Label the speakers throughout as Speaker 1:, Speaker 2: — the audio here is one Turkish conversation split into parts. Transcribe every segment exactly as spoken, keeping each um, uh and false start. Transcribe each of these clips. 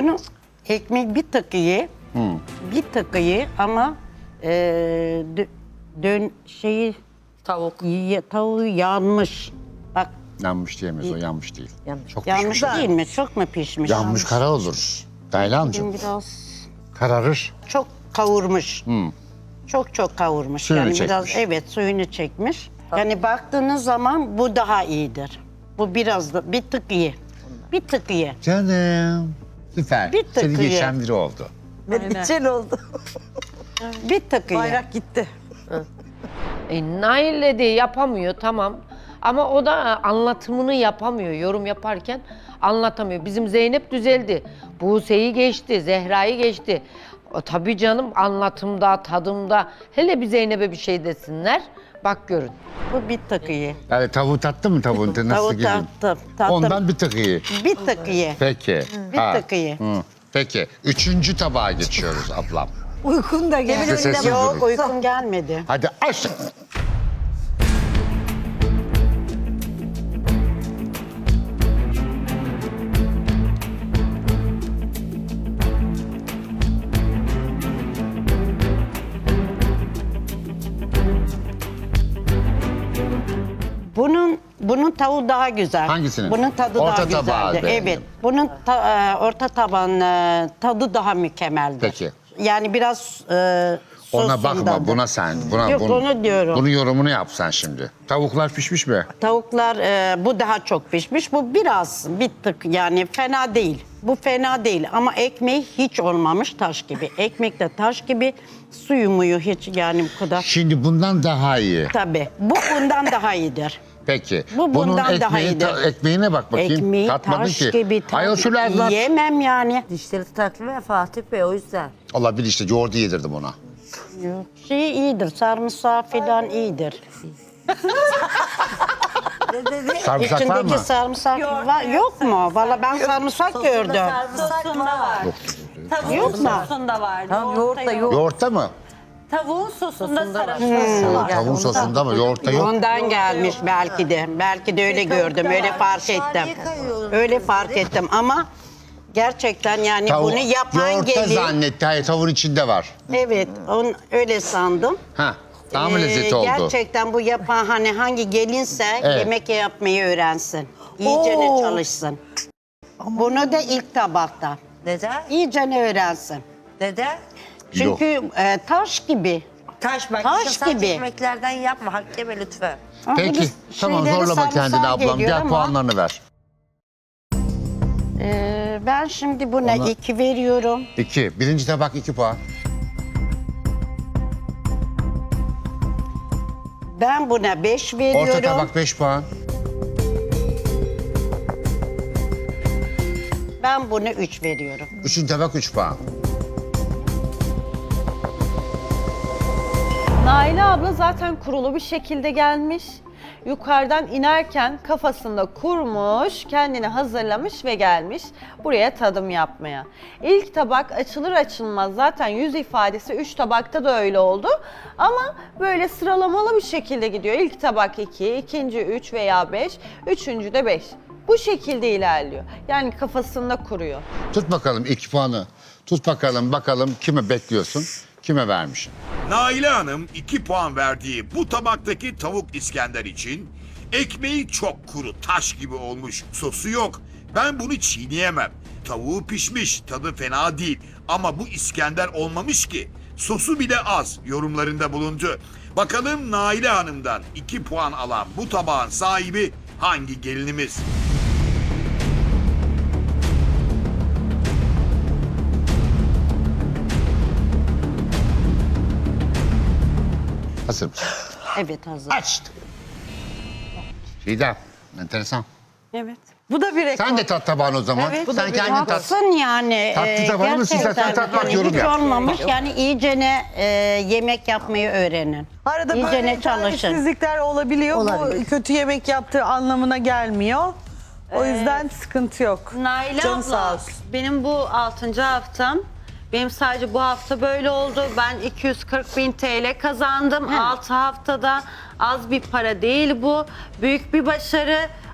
Speaker 1: Bunu ekmek bir tık iyi.
Speaker 2: Hmm.
Speaker 1: Bir tık iyi ama e, dö- dön şeyi
Speaker 3: Tavuk.
Speaker 1: y- tavuğu yanmış. Bak
Speaker 2: Yanmış diyemez o, yanmış değil.
Speaker 3: Yanmış.
Speaker 2: Çok
Speaker 1: yanmış
Speaker 2: pişmiş.
Speaker 1: değil mi? Çok mu pişmiş?
Speaker 2: Yanmış kara olur. Taylancığım.
Speaker 1: Biraz
Speaker 2: Kararır.
Speaker 1: çok kavurmuş. Çok çok kavurmuş.
Speaker 2: Suyunu
Speaker 1: yani biraz
Speaker 2: çekmiş.
Speaker 1: evet suyunu çekmiş. Yani baktığınız zaman bu daha iyidir. Bu biraz da bir tık iyi. Bir tık iyi.
Speaker 2: Canım. Süper.
Speaker 1: Bir tık
Speaker 2: Seni
Speaker 1: iyi.
Speaker 2: geçen biri oldu.
Speaker 3: Çel oldu.
Speaker 1: Bir tık iyi.
Speaker 3: Bayrak gitti.
Speaker 4: E, Nail de yapamıyor tamam. Ama o da anlatımını yapamıyor. Yorum yaparken anlatamıyor. Bizim Zeynep düzeldi. Buse'yi geçti, Zehra'yı geçti. O, tabii canım anlatımda, tadımda. Hele bir Zeynep'e bir şey desinler. Bak görün.
Speaker 1: Bu bir tık iyi.
Speaker 2: Yani tavuğu tattın mı tavuğun? Nasıl
Speaker 1: Tavuğu
Speaker 2: girdin?
Speaker 1: tattım. tattım.
Speaker 2: Ondan bir tık iyi.
Speaker 1: Bir tık iyi.
Speaker 2: Peki.
Speaker 1: Bir tık iyi.
Speaker 2: Hı. Peki. Üçüncü tabağa geçiyoruz ablam.
Speaker 3: Uykun da geldi.
Speaker 2: Sessiz
Speaker 1: Yok
Speaker 2: durun.
Speaker 1: uykum gelmedi.
Speaker 2: Hadi aç.
Speaker 1: Bunun bunun tavuğu daha güzel.
Speaker 2: Hangisinin?
Speaker 1: Bunun tadı
Speaker 2: Orta
Speaker 1: daha
Speaker 2: tabağı
Speaker 1: güzeldi.
Speaker 2: beğendim.
Speaker 1: Evet. Bunun ta- e, orta taban e, tadı daha mükemmeldi.
Speaker 2: Peki.
Speaker 1: Yani biraz e,
Speaker 2: Ona bakma,
Speaker 1: sosundandı.
Speaker 2: buna sen. Buna,
Speaker 1: Yok,
Speaker 2: bunu-
Speaker 1: onu diyorum.
Speaker 2: Bunun yorumunu yap sen şimdi. Tavuklar pişmiş mi?
Speaker 1: Tavuklar e, bu daha çok pişmiş. Bu biraz bir tık yani fena değil. Bu fena değil ama ekmeği hiç olmamış taş gibi. Ekmek de taş gibi. Suyu muyu hiç yani bu kadar.
Speaker 2: Şimdi bundan daha iyi.
Speaker 1: Tabii. Bu bundan daha iyidir.
Speaker 2: Peki.
Speaker 1: Bu
Speaker 2: Bunun
Speaker 1: bundan daha
Speaker 2: ekmeği,
Speaker 1: iyidir.
Speaker 2: ta- ekmeğine bak bakayım.
Speaker 1: Ekmeği
Speaker 2: Tatmadın
Speaker 1: taş
Speaker 2: ki.
Speaker 1: gibi.
Speaker 2: Ayol
Speaker 1: tabii.
Speaker 2: şöyle anlat.
Speaker 1: Yemem yani.
Speaker 3: Dişleri takma ya Fatih Bey o yüzden.
Speaker 2: Olabilir işte yoğurdu yedirdim ona.
Speaker 1: Şey iyidir. Sarımsağı falan iyidir.
Speaker 3: Ne dedi?
Speaker 2: Sarımsak var mı?
Speaker 1: İçindeki sarımsak var. Yok mu? Valla ben sarımsak gördüm.
Speaker 3: Sarımsak var.
Speaker 1: Yok mu?
Speaker 5: Sosunda var.
Speaker 3: Tamam yoğurt da yoğurt.
Speaker 2: Yoğurtta mı?
Speaker 5: Tavuğun sosunda
Speaker 3: Sosunda var.
Speaker 5: sarımsak var.
Speaker 2: Tavuğun sosunda mı? Yoğurtta yok.
Speaker 1: Ondan gelmiş belki de. Belki de öyle gördüm. Öyle fark ettim. Öyle fark ettim ama gerçekten yani
Speaker 2: Tavuk,
Speaker 1: bunu yapan
Speaker 2: yoğurtta
Speaker 1: gelin.
Speaker 2: zannetti. Hayır tavuğun içinde var.
Speaker 1: Evet, on öyle sandım.
Speaker 2: Ha, daha mı
Speaker 1: Ee,
Speaker 2: lezzetli oldu?
Speaker 1: Gerçekten bu yapan hani hangi gelinse
Speaker 2: Evet.
Speaker 1: yemek yapmayı öğrensin. İyicene
Speaker 3: Oo.
Speaker 1: çalışsın. Bunu da ilk tabakta.
Speaker 3: Neden?
Speaker 1: İyicene öğrensin.
Speaker 3: Neden?
Speaker 1: Çünkü e, taş gibi.
Speaker 3: Taş bak.
Speaker 1: Taş
Speaker 3: işte sen
Speaker 1: gibi.
Speaker 3: ekmeklerden yapma. Hak yeme lütfen.
Speaker 1: Ama
Speaker 2: Peki,
Speaker 1: bunun
Speaker 2: tamam
Speaker 1: şeyleri
Speaker 2: zorlama kendini
Speaker 1: sarımsağı
Speaker 2: ablam.
Speaker 1: geliyor
Speaker 2: Gel
Speaker 1: ama,
Speaker 2: puanlarını ver.
Speaker 1: e, ben şimdi buna
Speaker 2: Ona-
Speaker 1: iki veriyorum.
Speaker 2: İki. Birinci tabak iki puan.
Speaker 1: Ben buna beş veriyorum.
Speaker 2: Orta tabak beş puan.
Speaker 1: Ben buna üç veriyorum.
Speaker 2: Üçüncü tabak üç puan.
Speaker 6: Naile abla zaten kurulu bir şekilde gelmiş. Yukarıdan inerken kafasında kurmuş, kendini hazırlamış ve gelmiş buraya tadım yapmaya. İlk tabak açılır açılmaz zaten yüz ifadesi üç tabakta da öyle oldu. Ama böyle sıralamalı bir şekilde gidiyor. İlk tabak iki, ikinci üç veya beş, üçüncü de beş. Bu şekilde ilerliyor. Yani kafasında kuruyor.
Speaker 2: Tut bakalım iki puanı. Tut bakalım bakalım kime bekliyorsun? Kime vermişsin?
Speaker 7: Naile Hanım iki puan verdiği bu tabaktaki tavuk İskender için ekmeği çok kuru, taş gibi olmuş, sosu yok. Ben bunu çiğneyemem. Tavuğu pişmiş, tadı fena değil ama bu İskender olmamış ki. Sosu bile az yorumlarında bulundu. Bakalım Naile Hanım'dan iki puan alan bu tabağın sahibi hangi gelinimiz?
Speaker 2: Hazır mısın?
Speaker 1: Evet hazır.
Speaker 2: Açtım. Çiğdem, enteresan.
Speaker 1: Evet.
Speaker 3: Bu da bir rekor.
Speaker 2: Sen de tat tabağını o zaman.
Speaker 1: Evet,
Speaker 2: Sen kendin tat.
Speaker 1: tatsın yani.
Speaker 2: Tatlı
Speaker 1: e,
Speaker 2: da var mı? Siz
Speaker 1: gerçekten
Speaker 2: zaten tatmak,
Speaker 1: yani
Speaker 2: yorum
Speaker 1: hiç
Speaker 2: yap.
Speaker 1: olmamış yani iyicene e, yemek yapmayı öğrenin.
Speaker 8: Arada
Speaker 1: İyicene
Speaker 8: böyle
Speaker 1: çalışın.
Speaker 8: talihsizlikler olabiliyor.
Speaker 3: Olabilir.
Speaker 8: Bu kötü yemek yaptığı anlamına gelmiyor. O yüzden sıkıntı yok.
Speaker 5: Naile
Speaker 8: Canı sağ
Speaker 5: abla,
Speaker 8: olsun.
Speaker 5: benim bu altıncı haftam. Benim sadece bu hafta böyle oldu. Ben iki yüz kırk bin T L kazandım. altı haftada az bir para değil bu. Büyük bir başarı.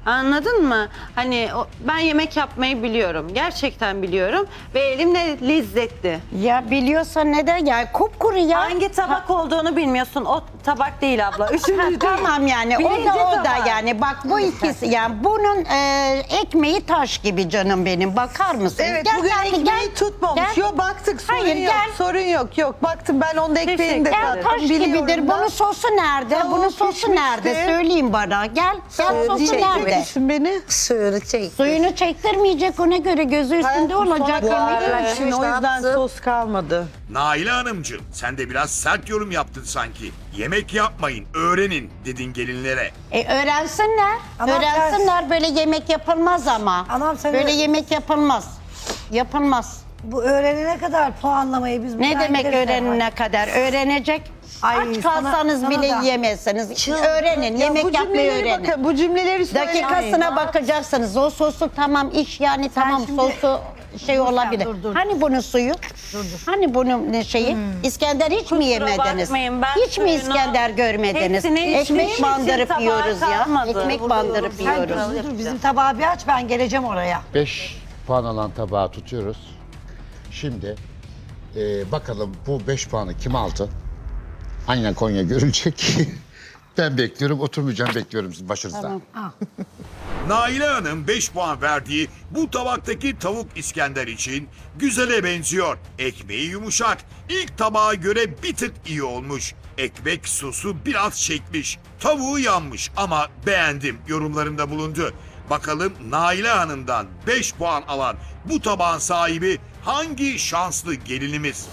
Speaker 5: Anladın mı? Hani o- ben yemek yapmayı biliyorum. Gerçekten biliyorum. Ve elim de lezzetli.
Speaker 1: Ya biliyorsan neden ya kupkuru ya.
Speaker 5: Hangi tabak olduğunu bilmiyorsun. O tabak değil abla.
Speaker 1: Ha,
Speaker 5: Üçüncü değil.
Speaker 1: tamam yani o
Speaker 5: Birinci
Speaker 1: da o da
Speaker 5: tabak.
Speaker 1: yani bak bu ikisi yani bunun e, ekmeği taş gibi canım benim bakar mısın?
Speaker 8: Evet
Speaker 1: Gel,
Speaker 8: bugün
Speaker 1: gel,
Speaker 8: ekmeği
Speaker 1: gel.
Speaker 8: tutmamış.
Speaker 1: Gel.
Speaker 8: Yok baktık sorun
Speaker 1: Hayır,
Speaker 8: yok.
Speaker 1: gel.
Speaker 8: Sorun yok yok. Baktım ben onda ekmeğini de
Speaker 5: Teşekkür
Speaker 1: Gel
Speaker 8: tattım.
Speaker 1: taş
Speaker 8: biliyorum
Speaker 1: gibidir.
Speaker 8: da.
Speaker 1: Bunun sosu nerede?
Speaker 8: Tavuğu
Speaker 1: Bunun sosu
Speaker 8: pişmişti.
Speaker 1: nerede? Söyleyin bana. Gel. Gel sosu
Speaker 8: Diyecek
Speaker 1: nerede?
Speaker 8: misin beni?
Speaker 3: Sığırı çek.
Speaker 1: Suyunu çektirmeyecek ona göre gözü üstünde olacak.
Speaker 8: Bu
Speaker 1: yemek.
Speaker 8: arada için o
Speaker 3: Ne
Speaker 8: yüzden
Speaker 3: yaptın?
Speaker 8: sos kalmadı.
Speaker 7: Naile Hanımcığım sen de biraz sert yorum yaptın sanki. Yemek yapmayın, öğrenin dedin gelinlere.
Speaker 1: E öğrensinler.
Speaker 9: Ama
Speaker 1: öğrensinler böyle yemek yapılmaz ama.
Speaker 9: Anam sen
Speaker 1: böyle
Speaker 9: öyle-
Speaker 1: yemek yapılmaz. Yapılmaz.
Speaker 9: Bu öğrenene kadar puanlamayı biz
Speaker 1: Ne
Speaker 9: buradan
Speaker 1: demek
Speaker 9: gideriz
Speaker 1: öğrenene kadar? Öğrenecek.
Speaker 9: Ay,
Speaker 1: Aç
Speaker 9: sana-
Speaker 1: kalsanız
Speaker 9: sana
Speaker 1: bile
Speaker 9: da.
Speaker 1: yiyemezsiniz. Öğrenin.
Speaker 8: Ya
Speaker 1: yemek
Speaker 8: bu
Speaker 1: yapmayı
Speaker 8: cümleleri
Speaker 1: öğrenin.
Speaker 8: bakın, bu cümleleri söylemeyin.
Speaker 1: Dakikasına bakacaksınız. O sosu tamam iş yani tamam
Speaker 9: şimdi-
Speaker 1: sosu şey olabilir.
Speaker 9: dur, dur.
Speaker 1: Hani bunun suyu? Hani bunun ne şeyi? İskender hiç mi yemediniz?
Speaker 5: bakmayın, ben
Speaker 1: Hiç mi
Speaker 5: suyunu-
Speaker 1: İskender görmediniz?
Speaker 5: Hepsini içtiğim
Speaker 1: Ekmek
Speaker 5: için
Speaker 1: bandırıp
Speaker 5: tabağa
Speaker 1: yiyoruz ya.
Speaker 5: kalmadı.
Speaker 1: Ekmek bandırıp
Speaker 9: Sen
Speaker 1: yiyoruz.
Speaker 9: dur, dur, bizim tabağı bir aç ben geleceğim oraya.
Speaker 2: beş puan alan tabağı tutuyoruz. Şimdi e, bakalım bu beş puanı kim aldı? Aynen Konya görülecek. Ben bekliyorum, oturmayacağım bekliyorum siz başınızda.
Speaker 7: Naile Hanım beş puan verdiği bu tabaktaki tavuk İskender için güzele benziyor. Ekmeği yumuşak. İlk tabağa göre bir tık iyi olmuş. Ekmek sosu biraz çekmiş. Tavuğu yanmış ama beğendim yorumlarında bulundu. Bakalım Naile Hanım'dan beş puan alan bu tabağın sahibi hangi şanslı gelinimiz?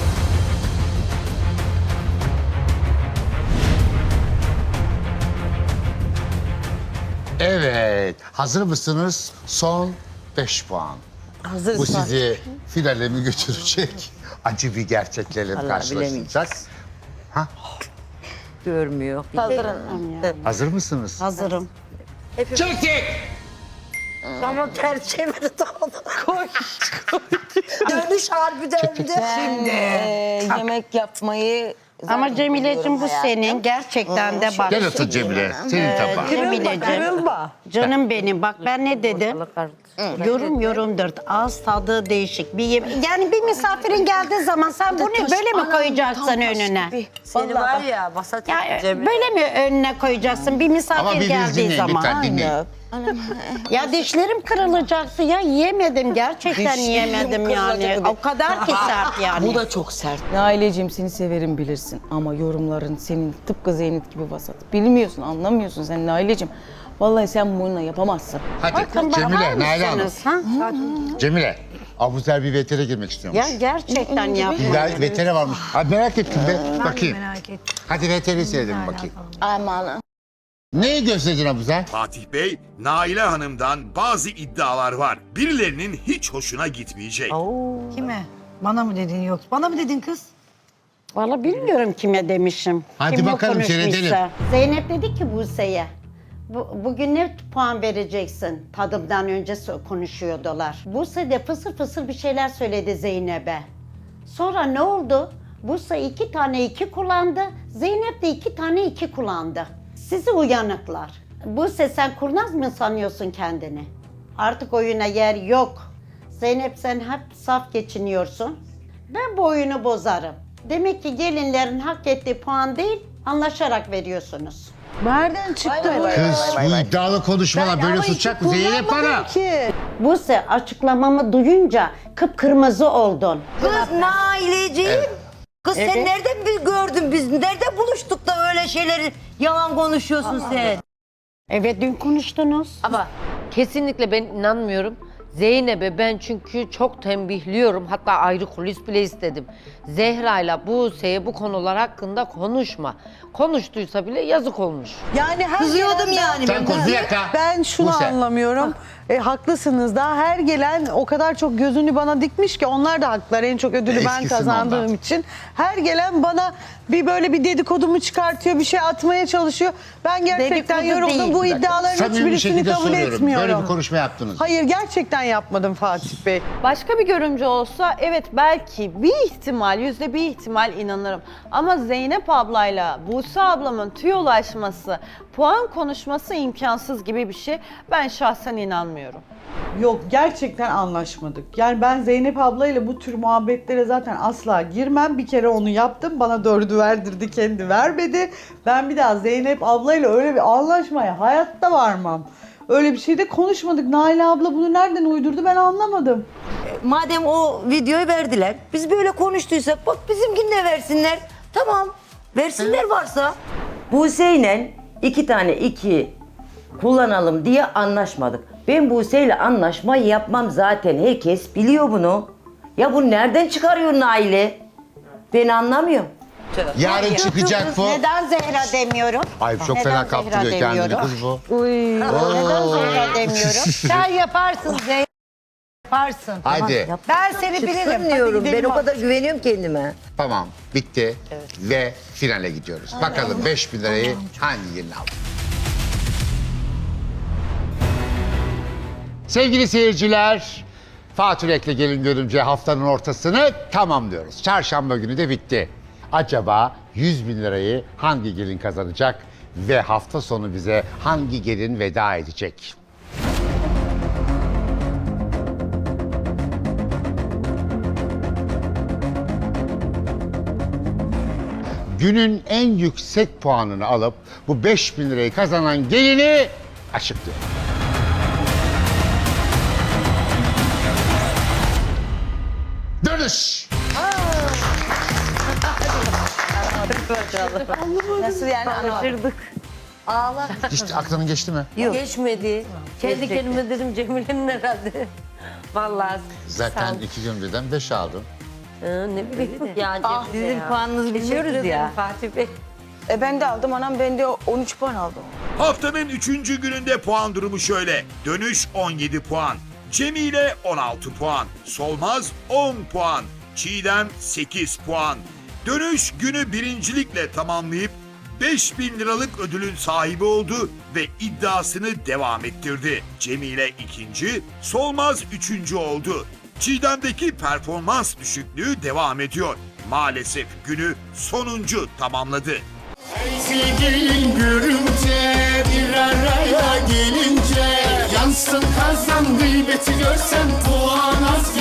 Speaker 2: Evet, hazır mısınız? Son beş puan.
Speaker 3: Hazır
Speaker 2: Bu sizi finale mi götürecek? Acı bir gerçeklerle mi karşılaşacak?
Speaker 3: görmüyor.
Speaker 2: Hazır mısınız?
Speaker 1: Hazırım.
Speaker 3: Ama ters çevirdi onu. Koş koş. Dönüş harbi döndü.
Speaker 10: Ben e, yemek yapmayı
Speaker 1: Ama Cemile'cim bu senin gerçekten de bak.
Speaker 2: Gel otur Cemile, senin tabağın.
Speaker 1: Cemile'cim.
Speaker 8: Kırılma.
Speaker 1: Canım benim bak ben ne dedim? Yorum yorumdur. Ağız tadı değişik. Bir yem- yani bir misafirin geldiği zaman sen bunu böyle mi koyacaksın önüne?
Speaker 3: Seni var ya basat
Speaker 1: Ya
Speaker 3: Cemile.
Speaker 1: böyle mi önüne koyacaksın bir
Speaker 2: Ama
Speaker 1: misafir
Speaker 2: birbirinizi
Speaker 1: geldiği
Speaker 2: dinleyin
Speaker 1: zaman?
Speaker 2: lütfen dinleyin.
Speaker 1: Ya dişlerim kırılacaktı ya yiyemedim gerçekten yiyemedim yani. O kadar ki sert yani.
Speaker 10: bu da çok sert. Aileciğim seni severim bilirsin ama yorumların senin tıpkı Zeynep gibi vasat. Bilmiyorsun, anlamıyorsun sen Aileciğim. Vallahi sen bununla yapamazsın.
Speaker 2: Hadi
Speaker 1: Bakın bakar
Speaker 2: Cemile, Nail Hanım.
Speaker 1: mısınız, ha?
Speaker 2: Cemile, Abuzer bir vetere girmek istiyormuş.
Speaker 1: Ya gerçekten
Speaker 2: Bir
Speaker 1: yapma.
Speaker 2: ver- vetere varmış. Hadi merak ettim be.
Speaker 9: Ben de
Speaker 2: Bakayım.
Speaker 9: merak ettim.
Speaker 2: Hadi veteri seyredelim bakayım.
Speaker 10: Aman.
Speaker 2: Neyi gösterdin Abuzer?
Speaker 7: Fatih Bey, Naile Hanım'dan bazı iddialar var. Birilerinin hiç hoşuna gitmeyecek.
Speaker 9: Kime? Bana mı dedin yok? Bana mı dedin kız?
Speaker 1: Vallahi bilmiyorum kime demişim.
Speaker 2: Hadi
Speaker 1: Kim bu
Speaker 2: bakalım,
Speaker 1: konuşmuşsa.
Speaker 2: seyredelim.
Speaker 1: Zeynep dedi ki Buse'ye. Bu, bugün ne puan vereceksin? Tadımdan önce so- konuşuyordular. Buse de fısır fısır bir şeyler söyledi Zeynep'e. Sonra ne oldu? Buse iki tane iki kullandı. Zeynep de iki tane iki kullandı. Sizi uyanıklar. Buse sen kurnaz mı sanıyorsun kendini? Artık oyuna yer yok. Zeynep sen hep saf geçiniyorsun. Ben bu oyunu bozarım. Demek ki gelinlerin hak ettiği puan değil, anlaşarak veriyorsunuz.
Speaker 8: Nereden çıktı bu?
Speaker 2: Kız bu iddialı konuşmalar böyle susacak mı? Zeynep bana.
Speaker 8: Ki.
Speaker 1: Buse açıklamamı duyunca kıpkırmızı oldun.
Speaker 3: Kız Naileciğim. Kız sen
Speaker 1: Evet.
Speaker 3: nereden bir gördün biz? Nerede buluştuk da öyle şeyleri yalan konuşuyorsun sen?
Speaker 1: Evet dün konuştunuz.
Speaker 4: Ama kesinlikle ben inanmıyorum. Zeynep'e ben çünkü çok tembihliyorum. Hatta ayrı kulis bile istedim. Zehra'yla Buse'ye bu konular hakkında konuşma. Konuştuysa bile yazık olmuş.
Speaker 8: Yani her
Speaker 3: Kızıyordum
Speaker 8: gelen-
Speaker 3: yani.
Speaker 2: Sen konuş bir dakika.
Speaker 8: Ben şunu
Speaker 2: Buse.
Speaker 8: anlamıyorum. E, haklısınız da her gelen o kadar çok gözünü bana dikmiş ki onlar da haklılar. En çok ödülü ben
Speaker 2: Eskisin
Speaker 8: kazandığım
Speaker 2: ondan.
Speaker 8: için. Her gelen bana bir böyle bir dedikodumu çıkartıyor, bir şey atmaya çalışıyor. Ben gerçekten
Speaker 1: Dedikodu
Speaker 8: yoruldum.
Speaker 1: değil.
Speaker 8: Bu
Speaker 2: Bir dakika.
Speaker 8: iddiaların
Speaker 2: Samimi bir
Speaker 8: hiçbirisini
Speaker 2: şekilde
Speaker 8: kabul
Speaker 2: soruyorum.
Speaker 8: etmiyorum.
Speaker 2: Böyle bir konuşma yaptınız.
Speaker 8: Hayır gerçekten yapmadım Fatih Bey.
Speaker 6: Başka bir görümcü olsa evet belki bir ihtimal, yüzde bir ihtimal inanırım. Ama Zeynep ablayla Buse ablamın tüyolaşması, Puan konuşması imkansız gibi bir şey. Ben şahsen inanmıyorum.
Speaker 8: Yok, gerçekten anlaşmadık. Yani ben Zeynep ablayla bu tür muhabbetlere zaten asla girmem. Bir kere onu yaptım. Bana dördü verdirdi, kendi vermedi. Ben bir daha Zeynep ablayla öyle bir anlaşmaya hayatta varmam. Öyle bir şey de konuşmadık. Naile abla bunu nereden uydurdu ben anlamadım.
Speaker 3: Madem o videoyu verdiler, biz böyle konuştuysak bak bizimkini de versinler. Tamam, versinler varsa.
Speaker 11: Buse'yle iki tane iki kullanalım diye anlaşmadık. Ben Buse'yle anlaşma yapmam zaten. Herkes biliyor bunu. Ya bu nereden çıkarıyor Nail'i? Ben anlamıyorum.
Speaker 2: Yarın çıkacak bu.
Speaker 1: Neden Zehra demiyorum?
Speaker 2: Ay çok
Speaker 1: Neden
Speaker 2: fena
Speaker 1: Zehra
Speaker 2: kaptırıyor kendini
Speaker 1: demiyorum?
Speaker 2: kız bu.
Speaker 1: Neden Zehra demiyorum?
Speaker 9: Sen yaparsın Zeynep. Yaparsın.
Speaker 2: Hadi.
Speaker 9: Ben seni bilirim.
Speaker 3: Çıksın
Speaker 9: Hadi
Speaker 3: diyorum, ben
Speaker 9: gidelim
Speaker 3: o kadar güveniyorum kendime.
Speaker 2: Tamam bitti ve finale gidiyoruz. Bakalım beş bin lirayı hangi gelin aldı? Sevgili seyirciler, Fatih Rek'le Gelin Görümce haftanın ortasını tamamlıyoruz. Çarşamba günü de bitti. Acaba yüz bin lirayı hangi gelin kazanacak ve hafta sonu bize hangi gelin veda edecek? Günün en yüksek puanını alıp bu beş bin lirayı kazanan gelini açıklıyor. Dönüş.
Speaker 10: Nasıl yani?
Speaker 3: Ağla.
Speaker 2: Hiç aklının geçti mi?
Speaker 3: Geçmedi. Kendi kendime dedim Cemile'nin herhalde. Vallahi.
Speaker 2: Zaten iki gün birden beş aldın.
Speaker 3: Hı, ne bileyim ya.
Speaker 11: Ah, sizin puanınızı biliyoruz ya.
Speaker 3: Fatih Bey.
Speaker 10: E ben de aldım anam, ben de on üç puan aldım.
Speaker 7: Haftanın üçüncü gününde puan durumu şöyle. Dönüş on yedi puan. Cemile on altı puan. Solmaz on puan. Çiğdem sekiz puan. Dönüş günü birincilikle tamamlayıp beş bin liralık ödülün sahibi oldu ve iddiasını devam ettirdi. Cemile ikinci, Solmaz üçüncü oldu. Çiğdem'deki performans düşüklüğü devam ediyor. Maalesef günü sonuncu tamamladı.
Speaker 12: Sevgilin görünce bir araya gelince yansın kazan gıybeti görsen puan az